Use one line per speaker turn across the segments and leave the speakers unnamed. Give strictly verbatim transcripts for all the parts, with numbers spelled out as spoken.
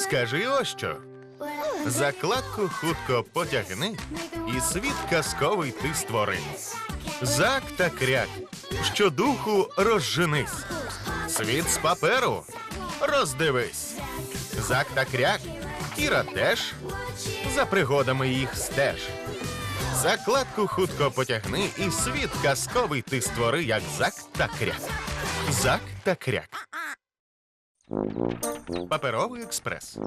Скажи ось що. Закладку хутко потягни, і світ казковий ти створи. Зак та кряк, щодуху розженись. Світ з паперу роздивись. Зак та кряк, Кіра теж, за пригодами їх стеж. Закладку хутко потягни, і світ казковий ти створи, як Зак та кряк. Зак та кряк. Паперовий експрес.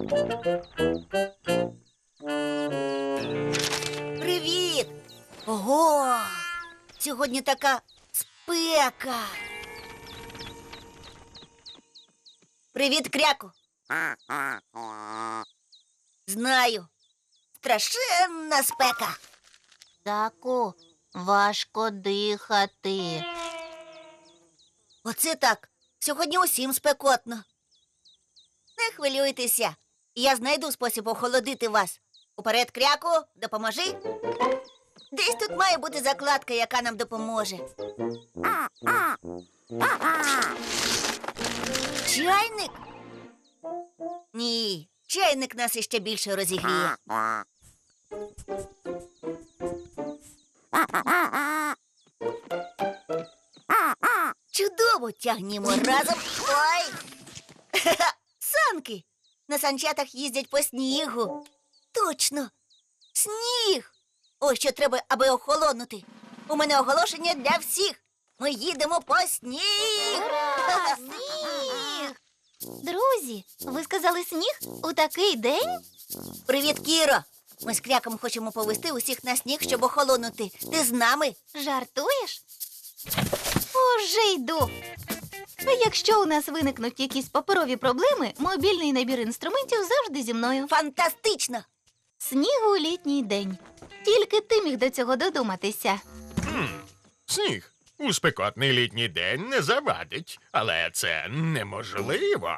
Привіт! Ого! Сьогодні така спека. Привіт, кряку. Знаю. Страшенна спека.
Заку, важко дихати.
Оце так. Сьогодні усім спекотно. Не хвилюйтеся. Я знайду спосіб охолодити вас. Уперед, кряку, допоможи. Десь тут має бути закладка, яка нам допоможе. Чайник? Ні, чайник нас іще більше розігріє. Чудово, тягнімо разом. Ой! Санки! На санчатах їздять по снігу. Точно! Сніг! Ось що треба, аби охолонути. У мене оголошення для всіх. Ми їдемо по сніг!
Ура! Сніг! Друзі, ви сказали сніг у такий день?
Привіт, Кіро! Ми з кряком хочемо повести усіх на сніг, щоб охолонути. Ти з нами?
Жартуєш? Уже йду. А якщо у нас виникнуть якісь паперові проблеми, мобільний набір інструментів завжди зі мною.
Фантастично!
Сніг у літній день. Тільки ти міг до цього додуматися.
Хм, сніг у спекотний літній день не завадить, але це неможливо.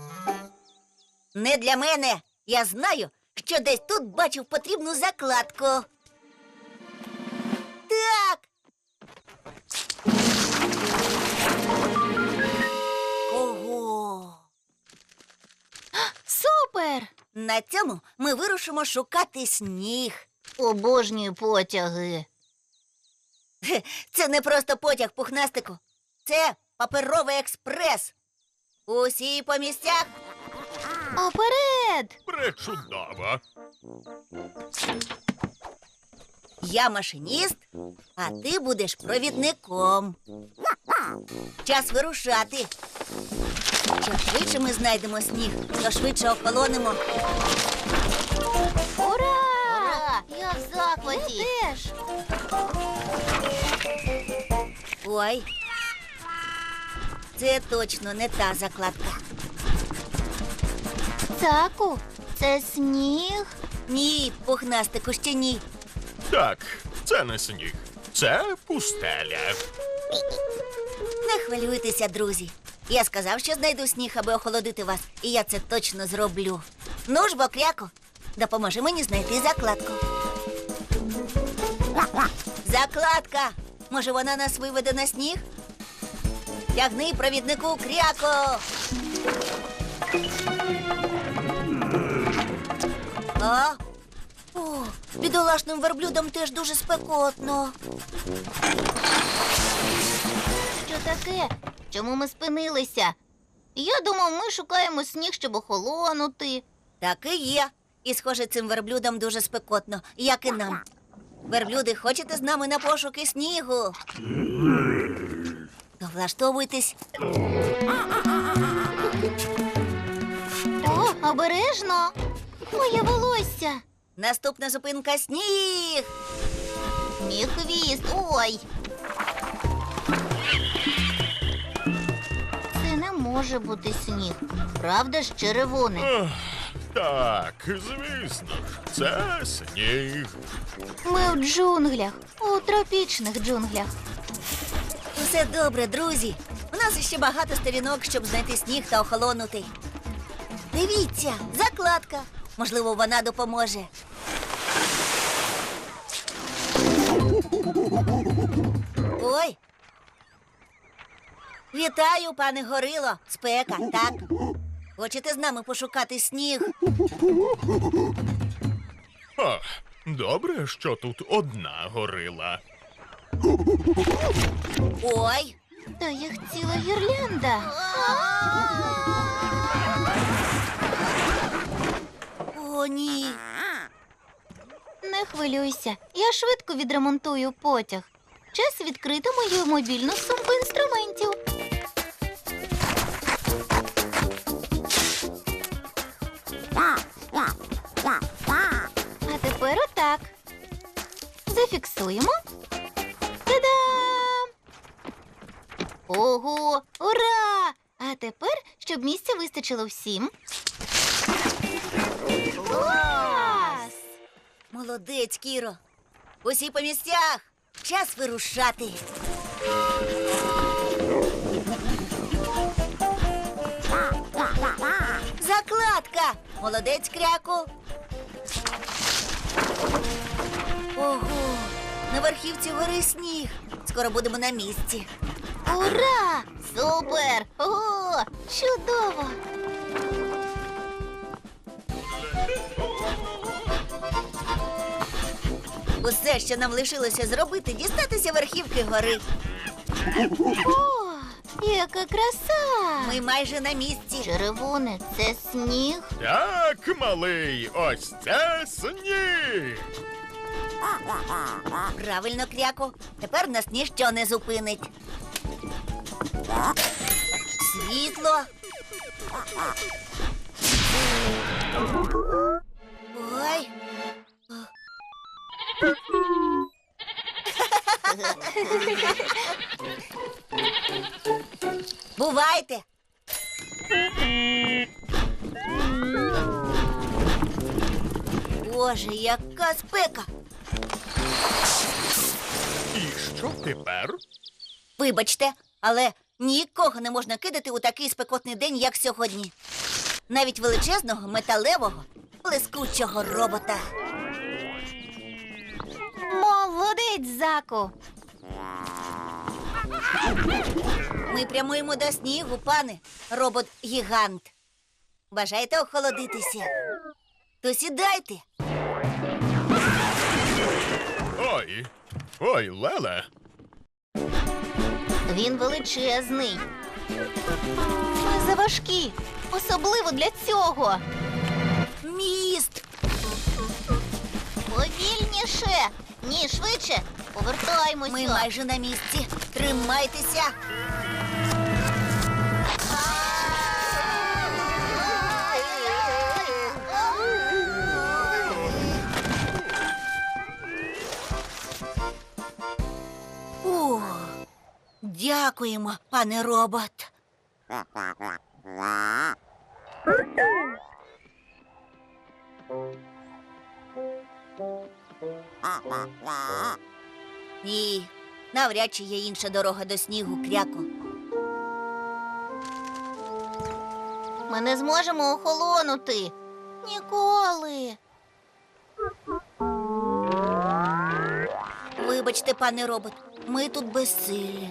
Не для мене. Я знаю, що десь тут бачив потрібну закладку. Так. Ого!
Супер!
На цьому ми вирушимо шукати сніг.
Обожнюю потяги.
Хе, це не просто потяг, пухнастику. Це паперовий експрес. Усі по місцях.
Оперед!
Пречудово.
Я машиніст, а ти будеш провідником. Час вирушати. Чим швидше ми знайдемо сніг, то швидше охолонемо.
Ура! Ура! Я в захваті. Я теж.
Ой, це точно не та закладка.
Заку, це сніг?
Ні, пухнастику, ще ні.
Так, це не сніг, це пустеля.
Не хвилюйтеся, друзі. Я сказав, що знайду сніг, аби охолодити вас, і я це точно зроблю. Ну ж, бо, кряку, допоможи мені знайти закладку. Закладка! Може, вона нас виведе на сніг? Тягни провіднику, кряку! А? О, бідолашним верблюдам теж дуже спекотно.
Що таке? Чому ми спинилися? Я думав, ми шукаємо сніг, щоб охолонути.
Так і є. І, схоже, цим верблюдам дуже спекотно, як і нам. Верблюди, хочете з нами на пошуки снігу? То влаштовуйтесь.
О, обережно! Моє волосся!
Наступна зупинка — сніг.
Мій хвіст! Ой! Це не може бути сніг. Правда ж, черевони?
Ох, так, звісно ж, це сніг.
Ми в джунглях, у тропічних джунглях.
Усе добре, друзі. У нас іще багато сторінок, щоб знайти сніг та охолонути. Дивіться, закладка. Можливо, вона допоможе. Ой. Вітаю, пане Горило. Спека, так? Хочете з нами пошукати сніг?
О, добре, що тут одна горила.
Ой!
Та їх ціла гірлянда.
О, ні!
Не хвилюйся, я швидко відремонтую потяг. Час відкрити мою мобільну сумку інструментів. А тепер отак. Зафіксуємо. Та-дам! Ого, ура! А тепер, щоб місця вистачило всім. Клас!
Молодець, Кіро! Усі по місцях! Час вирушати! Закладка! Молодець, Кряку! Ого! На верхівці гори сніг! Скоро будемо на місці!
Ура! Супер! О, чудово!
Усе, що нам лишилося зробити, дістатися верхівки гори.
О, яка краса!
Ми майже на місці.
Червоне – це сніг.
Так, малий, ось це сніг.
Правильно, Кряко. Тепер нас ніщо не зупинить. Світло. Ой. Бувайте. Боже, яка спека.
І що тепер?
Вибачте, але нікого не можна кидати у такий спекотний день, як сьогодні. Навіть величезного металевого блискучого робота.
Молодець, Заку!
Ми прямуємо до снігу, пане, робот-гігант. Бажаєте охолодитися? То сідайте.
Ой, ой, Леле.
Він величезний. Ми заважкі, особливо для цього.
Міст!
Повільніше! Ні, швидше! Повертаймося!
Ми майже на місці. Тримайтеся. О, дякуємо, пане робот. Ні, навряд чи є інша дорога до снігу, Кряко.
Ми не зможемо охолонути. Ніколи.
Вибачте, пане робот, ми тут безсилі.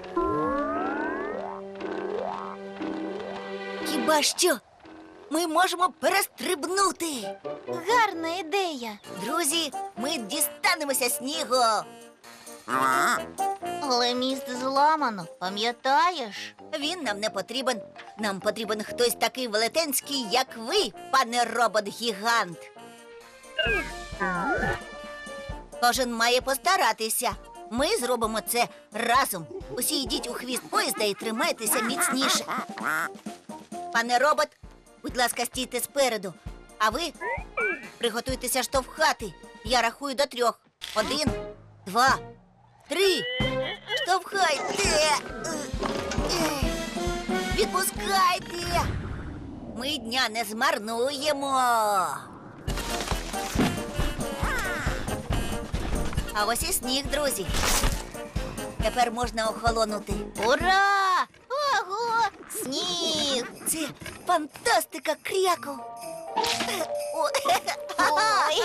Хіба що ми можемо перестрибнути?
Гарна ідея.
Друзі, ми дістанемося снігу.
Але міст зламано, пам'ятаєш?
Він нам не потрібен. Нам потрібен хтось такий велетенський, як ви, пане робот-гігант. Кожен має постаратися. Ми зробимо це разом. Усі йдіть у хвіст поїзда і тримайтеся міцніше. Пане робот, будь ласка, стійте спереду. А ви приготуйтеся штовхати. Я рахую до трьох. Один, два, три. Штовхайте. Відпускайте. Ми дня не змарнуємо. А ось і сніг, друзі. Тепер можна охолонути.
Ура! Ого! Сніг!
Це фантастика, Кряку.
Ой!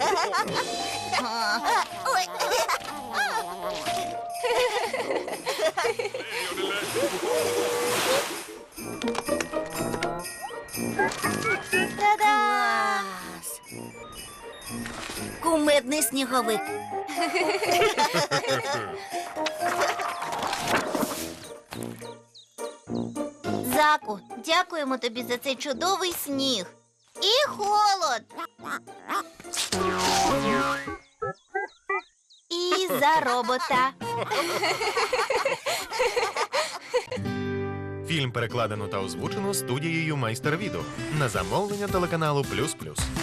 Ой.
Та-да!
Клас! Кумедний сніговик.
Заку, дякуємо тобі за цей чудовий сніг. І холод. І за робота.
Фільм перекладено та озвучено студією Майстер Відео на замовлення телеканалу Плюс Плюс.